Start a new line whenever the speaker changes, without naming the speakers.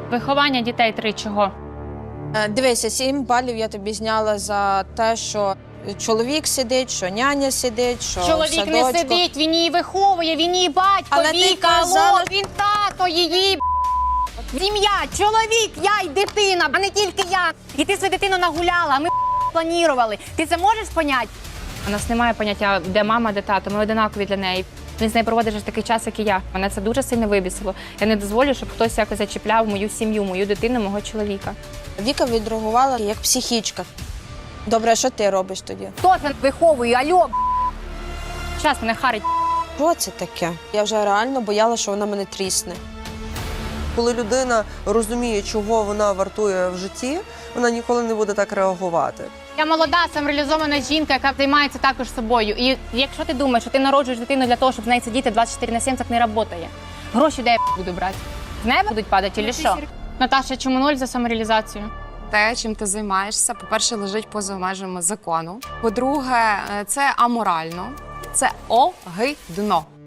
Виховання дітей 3 чого?
Дивися, 7 балів я тобі зняла за те, що чоловік сидить, що няня сидить, що в
Чоловік не
садочку.
сидить, він її виховує, він її батько,
Але ти
Віка,
казала-
алло, він тато її. Сім'я, чоловік, я й дитина, а не тільки я. І ти свою дитину нагуляла, а ми планували. Ти це можеш поняти? У нас немає поняття, де мама, де тато, ми одинакові для неї. Він з нею проводить вже такий час, як і я. Мене це дуже сильно вибісило. Я не дозволю, щоб хтось якось зачіпляв мою сім'ю, мою дитину, мого чоловіка.
Віка відреагувала як психічка. Добре, а що ти робиш тоді?
Хто це виховує? Альо, Щас мене харить.
Що це таке? Я вже реально боялася, що вона мене трісне.
Коли людина розуміє, чого вона вартує в житті, вона ніколи не буде так реагувати.
Я молода, самореалізована жінка, яка займається також собою. І якщо ти думаєш, що ти народжуєш дитину для того, щоб з нею сидіти 24/7, так не працює. Гроші де я буду брати? З неба будуть падати чи що? Наташа, чому 0 за самореалізацію?
Те, чим ти займаєшся, по-перше, лежить поза межами закону. По-друге, це аморально, це огидно.